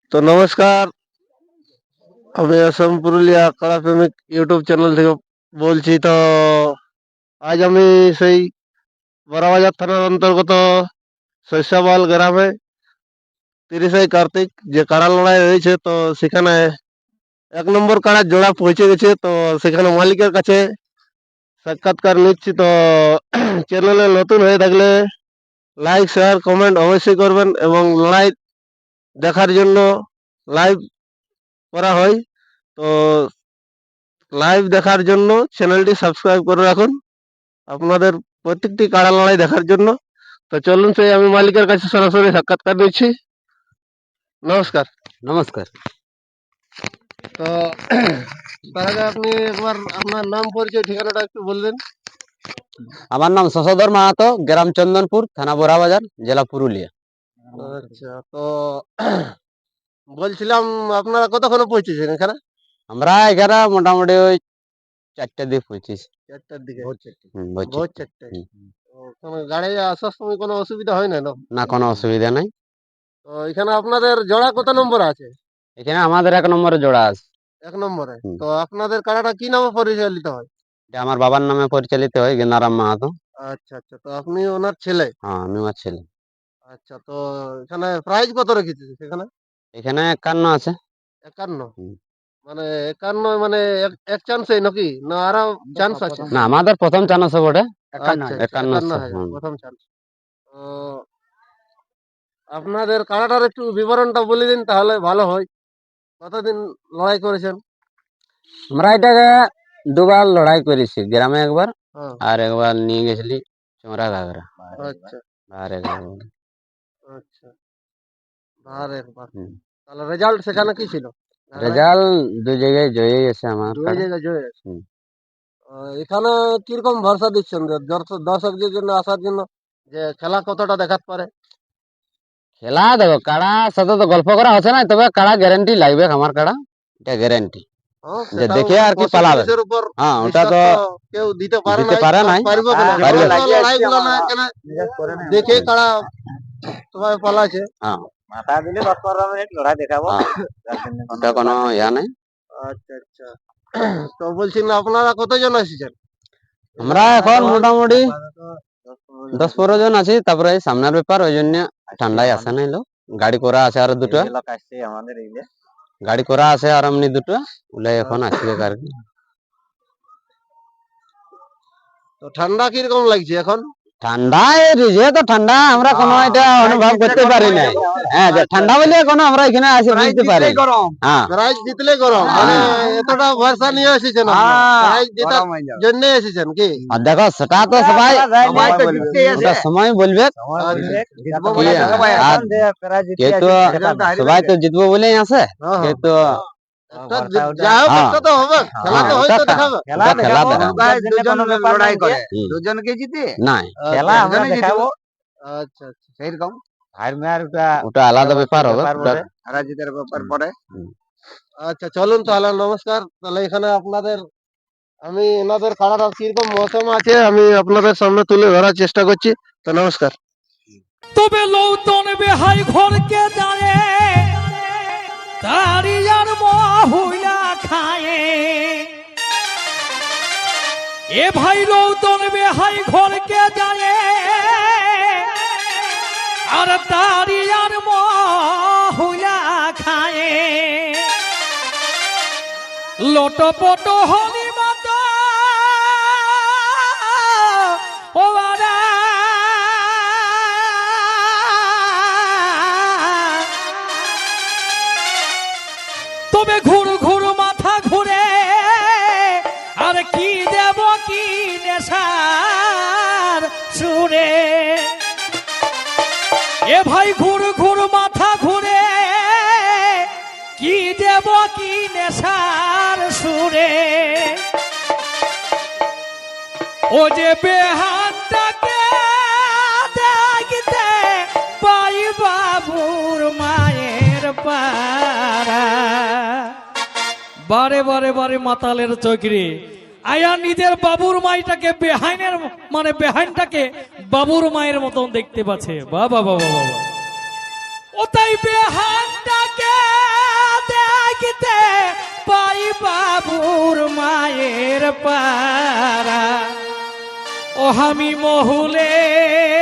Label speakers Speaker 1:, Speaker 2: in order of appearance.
Speaker 1: তো নমস্কার, আমি আসাম পুরুলিয়া কাড়া প্রেমিক ইউটিউব চ্যানেল থেকে বলছি। তো আজ আমি সেই বড়াবাজার থানার অন্তর্গত শস্যবাল গ্রামে 30 কার্তিক যে কাড়া লড়াই হয়েছে, তো সেখানে 1 নম্বর কাড়ার জোড়া পৌঁছে গেছে। তো সেখানে মালিকের কাছে সাক্ষাৎকার নিচ্ছি। তো চ্যানেলে নতুন হয়ে থাকলে লাইক শেয়ার কমেন্ট অবশ্যই করবেন, এবং লড়াই দেখার জন্য লাইভ করা হয়। তো লাইভ দেখার জন্য চ্যানেলটি সাবস্ক্রাইব করে রাখুন আপনাদের প্রত্যেকটি কাড়া লড়াই দেখার জন্য। তো চলুন সেই আমি মালিকের কাছে সরাসরি সাক্ষাৎকার নিচ্ছি। নমস্কার।
Speaker 2: নমস্কার।
Speaker 1: তো তার আগে আপনি একবার আপনার নাম পরিচয় ঠিকানাটা একটু বলবেন।
Speaker 2: আমার নাম শশধর মাহাতো, গ্রাম চন্দনপুর, থানা বড়াবাজার, জেলা পুরুলিয়া।
Speaker 1: আচ্ছা, তো বলছিলাম আপনারা কতক্ষণে পৌঁছেছেন এখানে?
Speaker 2: আমরা এখানে মোটামুটি ওই 4টার দিকে পৌঁছেছি।
Speaker 1: 4টার দিকে?
Speaker 2: ভোর
Speaker 1: ভোর
Speaker 2: 4টে।
Speaker 1: 4টায়? গাড়ি আসার সময় কোনো অসুবিধা হয় না?
Speaker 2: না, কোনো অসুবিধা নাই।
Speaker 1: তো এখানে আপনাদের জোড়া কত নম্বর আছে?
Speaker 2: এখানে আমাদের 1 নম্বরে জোড়া আছে।
Speaker 1: 1 নম্বরে? তো আপনাদের কাড়াটা কি নামে পরিচালিত হয়?
Speaker 2: এটা আমার বাবার নামে পরিচালিত হয়, গেন্দারাম মাহাতো।
Speaker 1: আচ্ছা আচ্ছা, তো আপনি ওনার ছেলে?
Speaker 2: হ্যাঁ, আমি আমার ছেলে।
Speaker 1: আচ্ছা, তো এখানে প্রাইজ কত রেখেছে সেখানে?
Speaker 2: এখানে 51 আছে।
Speaker 1: 51?
Speaker 2: হুম।
Speaker 1: মানে 51 মানে এক চান্সে নাকি, না আরো চান্স আছে?
Speaker 2: না, আমাদের প্রথম চান্স বটে।
Speaker 1: আচ্ছা আচ্ছা,
Speaker 2: 51 আছে।
Speaker 1: 51,000 প্রথম চান্স। তো আপনাদের কাড়াটার একটু বিবরণটা বলে দিন তাহলে ভালো হয়। কতদিন লড়াই করেছেন?
Speaker 2: আমরা এটাকে দুবার লড়াই করেছি, গ্রামে একবার
Speaker 1: হ্যাঁ।
Speaker 2: আর একবার নিয়ে গেছিলি চোরা ঘাগরা।
Speaker 1: আচ্ছা
Speaker 2: আর একবার
Speaker 1: আচ্ছা, আর একবার। তাহলে রেজাল্ট সেখানে কি ছিল?
Speaker 2: রেজাল্ট 2 জায়গায় জয়ী আছে আমার।
Speaker 1: 2 জায়গায় জয় আছে।
Speaker 2: হুম।
Speaker 1: এখানে কিরকম ভরসা দিচ্ছেন দর্শকদের জন্য আসার জন্য, যে খেলা কতটা দেখাতে পারে?
Speaker 2: খেলা দেখো, কাড়া সাথে তো গল্প করা হচ্ছে না, তবে কাড়া গ্যারান্টি লাগবে। আমার কাড়া এটা গ্যারান্টি যে দেখে আর কি পালাবে। হ্যাঁ, ওটা তো
Speaker 1: কেউ দিতে পারে
Speaker 2: দিতে পারে নাই।
Speaker 1: পারবে না।
Speaker 2: পারবে না।
Speaker 1: লড়াইগুলো না কেন দেখে কাড়া সবাই পালাছে।
Speaker 2: হ্যাঁ,
Speaker 3: মাথা দিলে 10-15 মিনিট লড়াই দেখাবো।
Speaker 2: ওটা কোনো ইয়া নাই।
Speaker 1: আচ্ছা আচ্ছা, তো বলছি না আপনারা কতজন এসেছেন?
Speaker 2: আমরা এখন মোটামুটি 10-15 জন আছি। তারপরে এই সামনের ব্যাপার, ওই জন্য ঠান্ডায় আসে নাই লোক। গাড়ি করা আছে আর দুটো,
Speaker 3: লোক আসছে আমাদের এইলে।
Speaker 2: গাড়ি করা আছে আর এমনি দুটো ওলাই এখন আসবে আর কি।
Speaker 1: তো ঠান্ডা কিরকম লাগছে এখন?
Speaker 2: ঠান্ডা তো ঠান্ডা আমরা কোনো এটা অনুভব করতে পারি না। হ্যাঁ, যে ঠান্ডা বলে কোনো আমরা এখানে আসে বুঝতে পারি। হ্যাঁ,
Speaker 1: প্রাইজ জিতলে গরম, মানে এতটা ভরসা নিয়ে এসেছেন প্রাইজ জেতার জন্য এসেছেন কি?
Speaker 2: আর দেখো সেটা তো সবাই ওটা সময় বলবে। সবাই তো জিতবো বলেই আছে, কিন্তু
Speaker 1: যা হোক একটা তো হবে, খেলা তো হয়তো দেখাবে।
Speaker 3: লড়াই করে দুজনকে জিতে
Speaker 2: নাই,
Speaker 3: খেলা আমরা দেখাবো।
Speaker 1: আচ্ছা আচ্ছা,
Speaker 3: সেইরকম
Speaker 2: ওটা আলাদা ব্যাপার হবে।
Speaker 3: হারা জিতের ব্যাপার পরে।
Speaker 1: আচ্ছা চলুন তাহলে, নমস্কার। তাহলে এখানে আপনাদের আমি এনাদের কাড়াটা কিরকম মৌসুম আছে আমি আপনাদের সামনে তুলে ধরার চেষ্টা করছি। তো নমস্কার।
Speaker 4: তবে লৌতন বেহাই ঘরকে দাঁড়ে তারিয়ার মহুলা খায়ে, এ ভাই লৌতন বেহাই ঘরকে দাঁড়ে আর তারিয়ার মহুলা খায়ে, লোটপট হলি মাতা ও বারা, তবে ঘুর ঘুর মাথা ঘুরে আর কি দেব কি নেশার সুরে, এ ভাই ঘুর ঘুর মাথা ঘুরে কি দেব কি নেশার সুরে, ও যে বেহানটাকে দেখতে পাই বাবুর মায়ের পাড়া, বারে বারে বারে মাতালের চোখরে আয়া নিজের বাবুর মাইটাকে বেহাইনের মানে বেহাইনটাকে বাবুর মায়ের মতন দেখতে পাচ্ছে। বাবা বাবা বাবা, ও তাই বেহানটাকে পারা ও আমি মহুলে